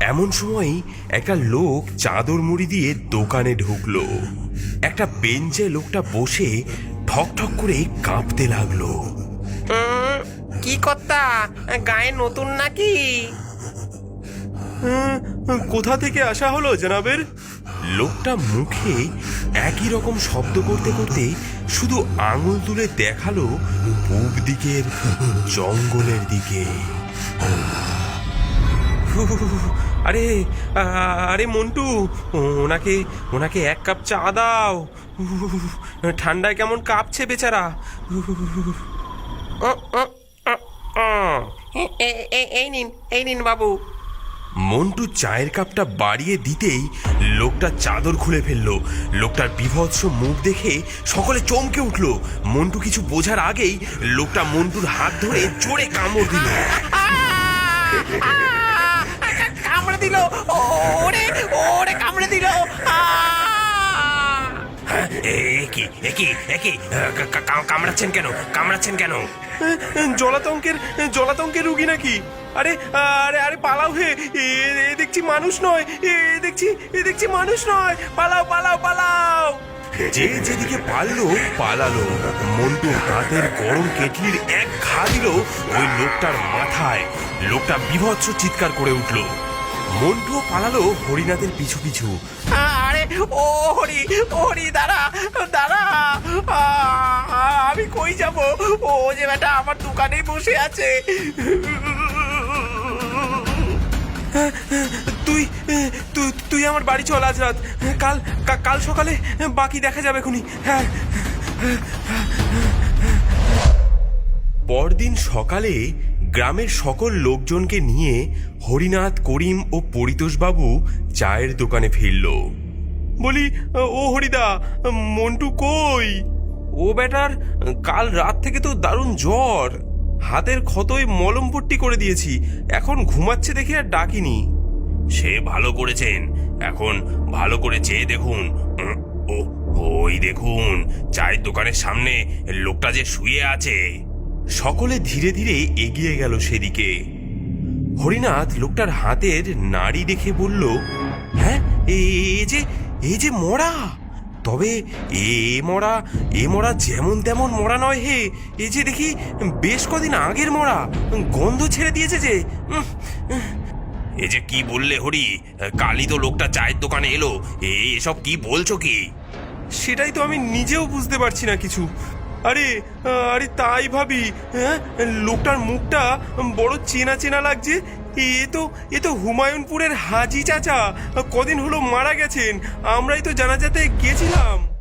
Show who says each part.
Speaker 1: এমন সময়ই একটা লোক চাদর মুড়ি দিয়ে দোকানে ঢুকলো। একটা বেঞ্চে লোকটা বসে ঠক ঠক করে কাঁপতে লাগলো।
Speaker 2: কি কর্তা, গায়ে নতুন নাকি?
Speaker 1: কোথা থেকে আসা হলো জনাবের? লোকটা মুখে একই রকম শব্দ করতে করতে শুধু আঙুল তুলে দেখালো পূব দিকের জঙ্গলের দিকে। আরে আরে মন্টু, ওনাকে ওনাকে এক কাপ চা দাও। ঠান্ডায় কেমন কাঁপছে বেচারা।
Speaker 2: এই নিন বাবু।
Speaker 1: মন্টু চায়ের কাপটা বাড়িয়ে দিতেই লোকটা চাদর খুলে ফেললো। লোকটার বিভৎস মুখ দেখে সকলে চমকে উঠল। মন্টু কিছু বোঝার আগেই লোকটা মন্টুর হাত ধরে জোরে কামড় দিল।
Speaker 2: কামড়ে দিল, ওরে ওরে কামড়ে দিল।
Speaker 1: কামড়াচ্ছেন কেন? কামড়াচ্ছেন কেন? জলাতঙ্কের রুগী নাকি? আরে আরে আরে পালাও হে, এ দেখছি মানুষ নয়, এ দেখছি মানুষ নয়। পালাও পালাও পালাও। যে যেদিকে পালালো। মন্টু হাতের গরম কেটলির এক ঘা দিল ওই লোকটার মাথায়। লোকটা বিভৎস চিৎকার করে উঠল। মন্টুও পালালো হরিনাথের পিছু পিছু।
Speaker 2: আরে ও হরি, হরি দাঁড়া দাঁড়া, আমি কই যাব? ও যে বেটা আমার দোকানেই বসে আছে।
Speaker 1: তুই তুই তুই আমার বাড়ি চল আজ রাত। কাল সকালে বাকি দেখা যাবে খুনি। হ্যাঁ। পরদিন সকালে গ্রামের সকল লোকজনকে নিয়ে হরিনাথ, করিম ও পরিতোষবাবু চায়ের দোকানে ফিরল। বলি, ও হরিদা, মন্টু কই? ও বেটার কাল রাত থেকে তো দারুণ জ্বর। হাতের ক্ষতই মলম পট্টি করে দিয়েছি, এখন ঘুমাচ্ছে দেখে আর ডাকিনি। সে ভালো করেছেন, এখন ভালো করে চেয়ে দেখুন। ওই দেখুন চায়ের দোকানের সামনে লোকটা যে শুয়ে আছে। সকলে ধীরে ধীরে এগিয়ে গেল সেদিকে। হরিনাথ লোকটার হাতের নাড়ি দেখে বলল, হ্যাঁ, এ যে মরা। তবে এ মরা যেমন তেমন মরা নয় হে, এ যে দেখি বেশ কদিন আগের মরা, গন্ধ ছেড়ে দিয়েছে যে। এ যে কি বললে হরি? কালই তো লোকটা চায়ের দোকানে এলো, এসব কি বলছো কি? সেটাই তো আমি নিজেও বুঝতে পারছি না কিছু। আরে আরে তাই ভাবি, হ্যাঁ, লোকটার মুখটা বড় চেনা চেনা লাগছে। এ তো হুমায়ুনপুরের হাজি চাচা, কদিন হলো মারা গেছেন। আমরাই তো জানাজাতে গেছিলাম।